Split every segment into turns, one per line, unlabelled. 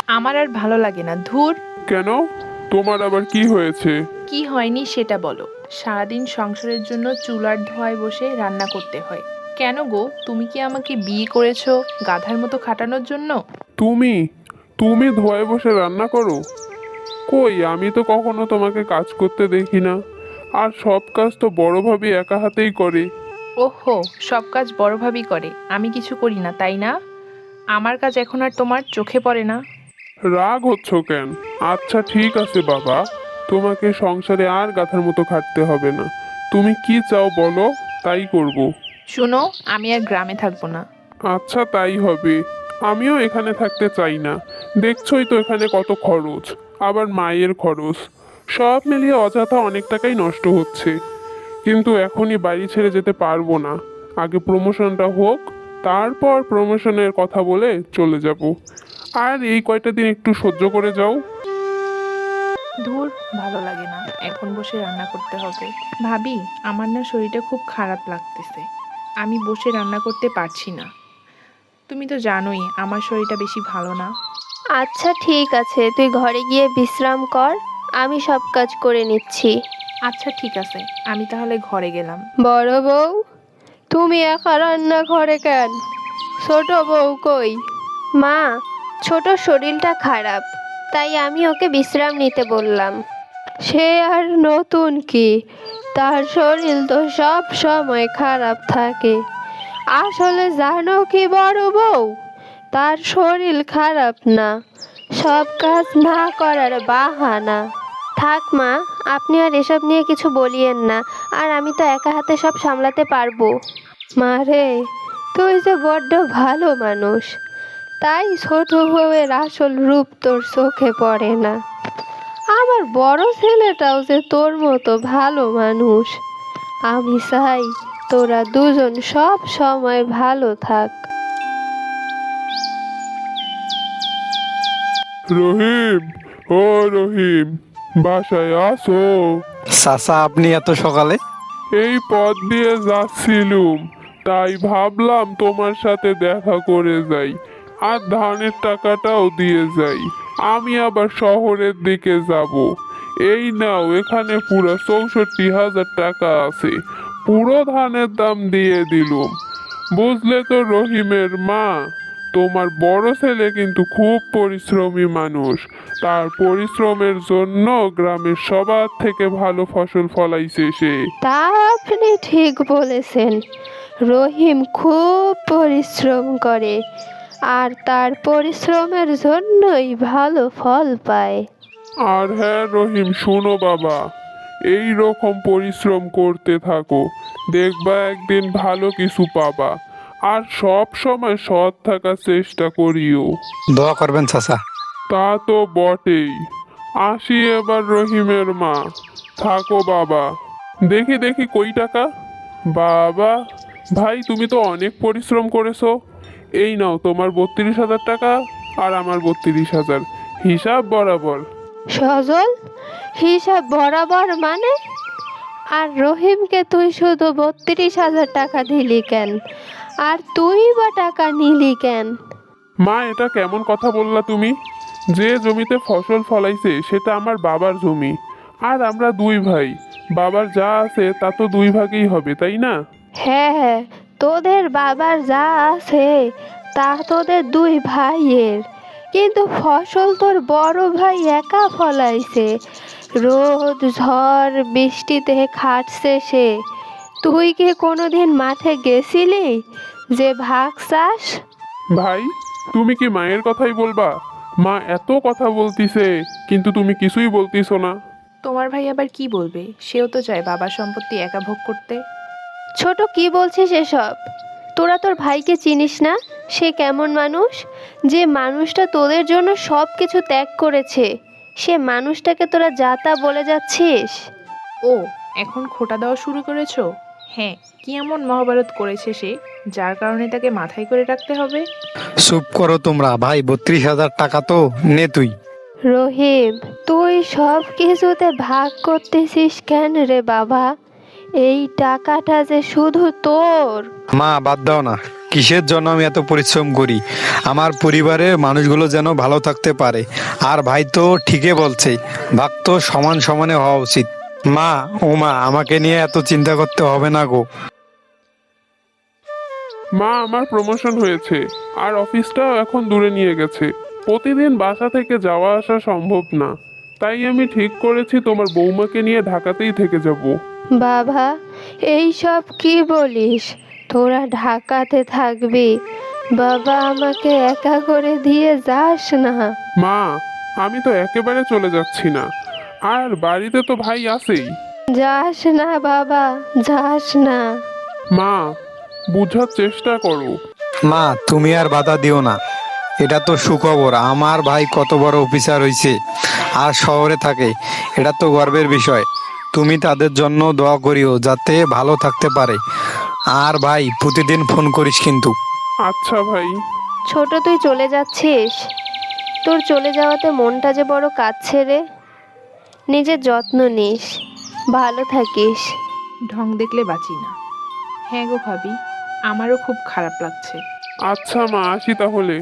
আমার আর ভালো লাগে না, ধুর।
কেন? তোমার আবার কি হয়েছে?
কি হয়নি সেটা বলো। সারাদিন সংসারের জন্য চুলার ধোঁয়ায় বসে রান্না করতে হয়। কেন গো, তুমি কি আমাকে বিয়ে করেছো গাধার মতো খাটানোর জন্য?
তুমি তুমি ধোয়ায় বসে রান্না করো? কই, আমি তো কখনো তোমাকে কাজ করতে দেখি না। আর সব কাজ তো বড় ভাবি একা হাতেই করে।
ওহো, সব কাজ বড় ভাবি করে, আমি কিছু করি না তাই না? আমার কাজ এখন আর তোমার চোখে পড়ে না?
রাগ হচ্ছ কেন? আচ্ছা ঠিক আছে বাবা, তোমাকে সংসারে আর গাধার মতো খাটতে হবে না। তুমি কি চাও বলো, তাই করব।
শুনো, আমি আর গ্রামে থাকবো না।
আচ্ছা তাই হবে। আমিও এখানে থাকতে চাই না। দেখছই তো এখানে কত খরচ, আবার মায়ের খরচ, সব মিলিয়ে অযথা অনেক টাকাই নষ্ট হচ্ছে। কিন্তু এখনই বাড়ি ছেড়ে যেতে পারবো না। আগে প্রমোশনটা হোক, তারপর প্রমোশনের কথা বলে চলে যাব। আর এই কয়টা দিন একটু সহ্য করে যাও।
ধুর, ভালো লাগে না এখন বসে রান্না করতে হবে। ভাবি, আমার না শরীরটা খুব খারাপ লাগতেছে। আমি বসে রান্না করতে পারছি না। তুমি তো জানোই আমার শরীরটা বেশি ভালো না।
আচ্ছা ঠিক আছে, তুই ঘরে গিয়ে বিশ্রাম কর, আমি সব কাজ করে নিচ্ছি।
আচ্ছা ঠিক আছে, আমি তাহলে ঘরে গেলাম।
বড় বউ, তুমি একা রান্না ঘরে কেন? ছোট বউ কই? মা, ছোট শরীরটা খারাপ, তাই আমি ওকে বিশ্রাম নিতে বললাম। সে আর নতুন কি, তার শরীর তো সব সময় খারাপ থাকে। আসলে জানো কি বড় বউ, তার শরীর খারাপ না, সব কাজ না করার বাহানা। থাক মা, আপনি আর এসব নিয়ে কিছু বলিয়েন না, আর আমি তো একা হাতে সব সামলাতে পারবো। মা রে, তুই যে বড্ড ভালো মানুষ, তাই ছোট বউয়ের আসল রূপ তোর চোখে পড়ে না। আমার বড় ছেলেটাও যে তোর মতো ভালো মানুষ। আমি চাই তোরা দুজন সব সময় ভালো থাক।
রহিম, ও রহিম, বাসায় আসো।
চাচা, আপনি এত সকালে?
এই পথ দিয়ে যাচ্ছিলুম, তাই ভাবলাম তোমার সাথে দেখা করে যাই, আর ধানের টাকাটাও দিয়ে যাই। আমি আবার শহরের দিকে যাব। এই নাও, এখানে পুরো 64,000 টাকা আছে। পুরো ধানের দাম দিয়ে দিলুম। বুঝলে তো রহিমের মা, তোমার বড় ছেলে কিন্তু খুব পরিশ্রমী মানুষ। তার পরিশ্রমের জন্য গ্রামের সবার থেকে ভালো ফসল ফলাইছে সে।
তা আপনি ঠিক বলেছেন, রহিম খুব পরিশ্রম করে, আর তার পরিশ্রমের জন্যই ভালো ফল পায়।
আর হ্যাঁ রহিম, শোনো বাবা, এই রকম পরিশ্রম করতে থাকো, দেখবা একদিন ভালো কিছু পাবা। আর সব সময় সৎ থাকার চেষ্টা করিও।
দোয়া করবেন চাচা।
তা তো বটেই। আসি এবার রহিমের মা। থাকো বাবা। দেখি দেখি কই টাকা। বাবা, ভাই তুমি তো অনেক পরিশ্রম করেছো। এই নাও তোমার 32,000 টাকা, আর আমার 32,000, হিসাব বরাবর।
সজল, হিসাব বরাবর মানে? আর রহিমকে তুই শুধু 32,000 টাকা দিলি কেন? আর তুই বা টাকা নিলি কেন?
মা, এটা কেমন কথা বললা তুমি? যে জমিতে ফসল ফলাইছে সেটা আমার বাবার জমি। আর আমরা দুই ভাই, বাবার যা আছে তা তো দুই ভাগেই হবে, তাই না?
হ্যাঁ হ্যাঁ, তোদের বাবার যা আছে তা তোদের দুই ভাইয়ের, কিন্তু ফসল তোর বড় ভাই একা ফলাইছে। রোদ ঝড় বৃষ্টিতে খাটছে সে। তুই কি কোনোদিন মাঠে গেছিলি যে ভাগ চাস?
ভাই, তুমি কি মায়ের কথাই বলবা? মা এত কথা বলতিছে, কিন্তু তুমি কিছুই বলতিছো না।
তোমার ভাই আবার কি বলবে? সেও তো চায় বাবার সম্পত্তি একা ভোগ করতে।
ছোট, কি বলছিস এসব? তোরা তোর ভাইকে চিনিস না? সে কেমন মানুষ, যে মানুষটা তোদের জন্য সব কিছু ত্যাগ করেছে, সে মানুষটাকে তোরা যা তা বলে যাচ্ছিস?
ও, এখন খোঁটা দেওয়া শুরু করেছো? হ্যাঁ, কি এমন মহাভারত করেছে সে, যার কারণে তাকে মাথায় করে রাখতে হবে?
চুপ করো তোমরা। ভাই, 32,000 টাকা তো নে তুই।
রহিম, তুই সব কিছুতে ভাগ করতেছিস কেন রে বাবা? এই টাকাটা যে শুধু তোর।
মা, বাদ দাও না। কিসের জন্য আমি এত পরিশ্রম করি? আমার পরিবারের মানুষগুলো যেন ভালো থাকতে পারে। আর ভাই তো ঠিকই বলছে, ভাগ তো সমান সমানে হওয়া উচিত। মা, ও মা, আমাকে নিয়ে এত চিন্তা করতে হবে না গো।
মা, আমার প্রমোশন হয়েছে আর অফিসটাও এখন দূরে নিয়ে গেছে। প্রতিদিন বাসা থেকে যাওয়া আসা সম্ভব না। তাই আমি ঠিক করেছি তোমার বৌমাকে নিয়ে ঢাকাতেই থেকে যাব।
বাবা, এই সব কি বলিস? তোরা ঢাকাতে থাকবি? বাবা, আমাকে একা করে দিয়ে যাস না।
মা, আমি তো একেবারে চলে যাচ্ছি না, আর বাড়িতে তো ভাই আছেই।
যাস না বাবা, যাস না।
মা, বুঝার চেষ্টা করো।
মা, তুমি আর বাধা দিও না। এটা তো সুখবর, আমার ভাই কত বড় অফিসার হয়েছে আর শহরে থাকে। এটা তো গর্বের বিষয়। তুমি তাদের জন্য দোয়া করিও যাতে ভালো থাকতে পারে। আর ভাই, প্রতিদিন ফোন করিস কিন্তু।
আচ্ছা ভাই।
ছোট, তুই চলে যাচ্ছিস? তোর চলে যাওয়াতে মনটা যে বড় কাঁদছে রে। নিজের যত্ন নিস, ভালো থাকিস।
ঢং দেখলে বাঁচি না। হ্যাঁ গো ভাবি, আমারও খুব খারাপ লাগছে।
আচ্ছা মা, আসি তাহলে।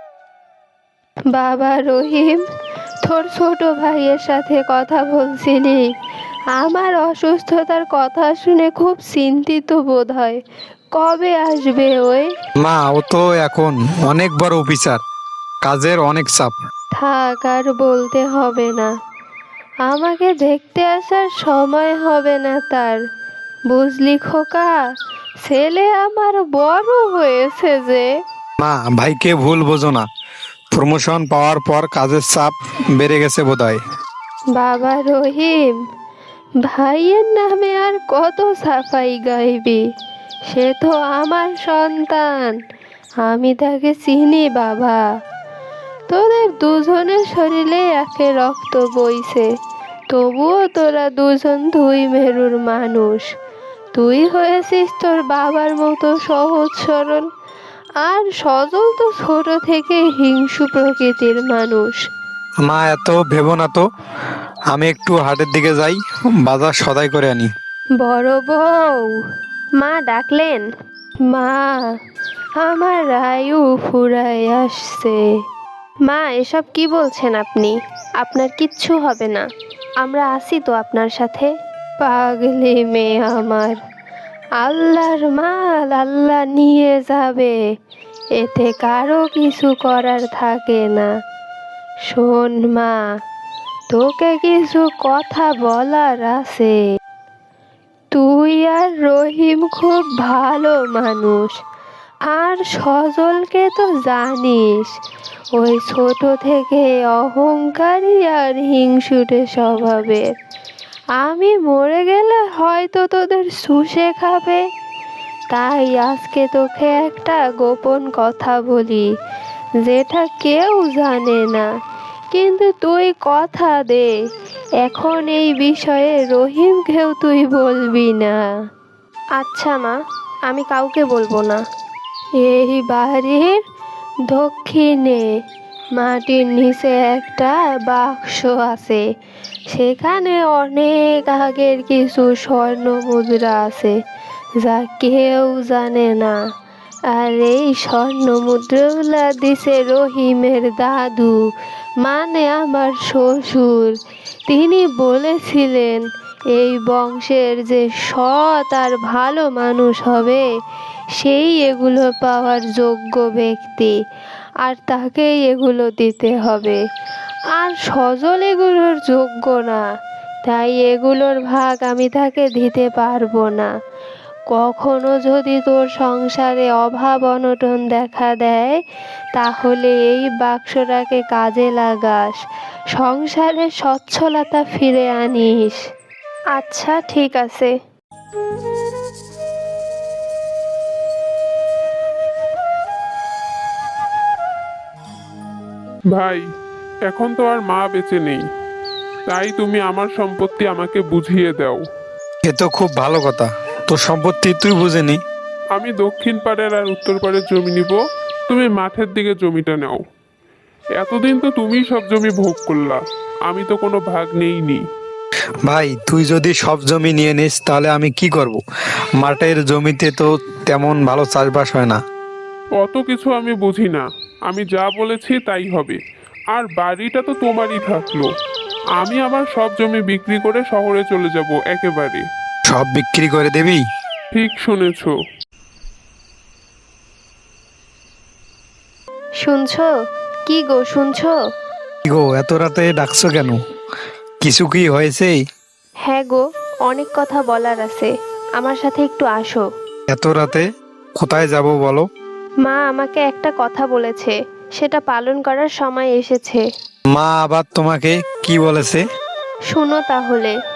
বাবা রহিম, তোর ছোট ভাইয়ের সাথে কথা বলছিলি? আমার অসুস্থতার কথা শুনে খুব চিন্তিত বোধ হয়। কবে আসবে ওই?
মা, ও তো এখন অনেক বড় অফিসার, কাজের অনেক চাপ।
থাক, আর বলতে হবে না। আমাকে দেখতে আসার সময় হবে না তার। বুঝলি খোকা, ছেলে আমার বড় হয়েছে যে।
মা, ভাইকে ভুল বোঝো না। প্রমোশন পাওয়ার পর কাজের চাপ বেড়ে গেছে বোধহয়।
বাবা রহিম, ভাইয়ের নামে আর কত সাফাই গাইবি? সে তো আমার সন্তান, আমি তাকে চিনি বাবা। তোদের দুজনের শরীরে একে রক্ত বইছে, তবুও তোরা দুজন দুই মেরুর মানুষ। তুই হয়েছিস তোর বাবার মতো সহজ সরল, আর সজল তো ছোট থেকে হিংসু প্রকৃতির মানুষ।
মা, এত ভেবো না তো। আমি একটু হাটের দিকে যাই, বাজার সদাই করে আনি।
বড় বউ, মা ডাকলেন? মা, আমার আয়ু ফুরায় আসছে। মা, এসব কি বলছেন আপনি? আপনার কিচ্ছু হবে না, আমরা আছি তো আপনার সাথে। পাগলি মেয়ে আমার, আল্লাহর মাল আল্লাহ নিয়ে যাবে, এতে কারো কিছু করার থাকে না। শোন মা, তোকে কিছু কথা বলার আছে। তুই আর রহিম খুব ভালো মানুষ, আর সজলকে তো জানিস, ওই ছোট থেকে অহংকারী আর হিংসুটে স্বভাবের। আমি মরে গেলে হয়তো তোদের শুষে খাবে। তাই আজকে তোকে একটা গোপন কথা বলি, যেটা কেউ জানে না, কিন্তু তুই কথা দে, এখন এই বিষয়ে রহিমকেও তুই বলবি না। আচ্ছা মা, আমি কাউকে বলবো না। এই বাড়ির দক্ষিণে মাটির নিচে একটা বাক্স আছে, সেখানে অনেক আগের কিছু স্বর্ণ মুদ্রা আছে, যা কেউ জানে না। আর এই স্বর্ণ মুদ্রাগুলা দিছে রহিমের দাদু, মানে আমার শ্বশুর। তিনি বলেছিলেন এই বংশের যে সৎ আর ভালো মানুষ হবে, সেই এগুলো পাওয়ার যোগ্য ব্যক্তি, আর তাকেই এগুলো দিতে হবে। আর সজল এগুলোর যোগ্য না, তাই এগুলোর ভাগ আমি তাকে দিতে পারবো না। কখনো যদি তোর সংসারে অভাব অনটন দেখা দেয়, তাহলে এই বাক্সটাকে কাজে লাগাস, সংসারে সচ্ছলতা ফিরে আনিস। আচ্ছা ঠিক আছে।
ভাই, এখন তো আর মা বেঁচে নেই, তাই তুমি আমার সম্পত্তি আমাকে বুঝিয়ে দাও।
এ তো খুব ভালো কথা, তোর সম্পত্তি তুই বুঝে নি।
আমি দক্ষিণ পাড়ের আর উত্তর পাড়ের জমি নিব, তুমি মাঠের দিকে জমিটা নাও। এতদিন তো তুমিই সব জমি ভোগ করলা, আমি তো কোনো ভাগ নেইনি।
ভাই, তুই যদি সব জমি নিয়ে নিস তাহলে আমি কি করব? মাঠের জমিতে তো তেমন ভালো চাষবাস হয় না।
অত কিছু আমি বুঝি না, আমি যা বলেছি তাই হবে। আর বাড়িটা তো তোমারই থাকলো। আমি আমার সব জমি বিক্রি করে শহরে চলে যাব একেবারে।
সব বিক্রি করে দেবি?
ঠিক শুনেছো।
শুনছো? কি গো শুনছো?
কি গো, এত রাতে ডাকছো কেন? কিছু কি হয়েছে?
হ্যাঁ গো, অনেক কথা বলার আছে, আমার সাথে একটু আসো।
এত রাতে কোথায় যাব বলো?
মা আমাকে একটা কথা বলেছে, সেটা পালন করার সময় এসেছে।
মা আবার তোমাকে কি বলেছে?
শোনো তাহলে।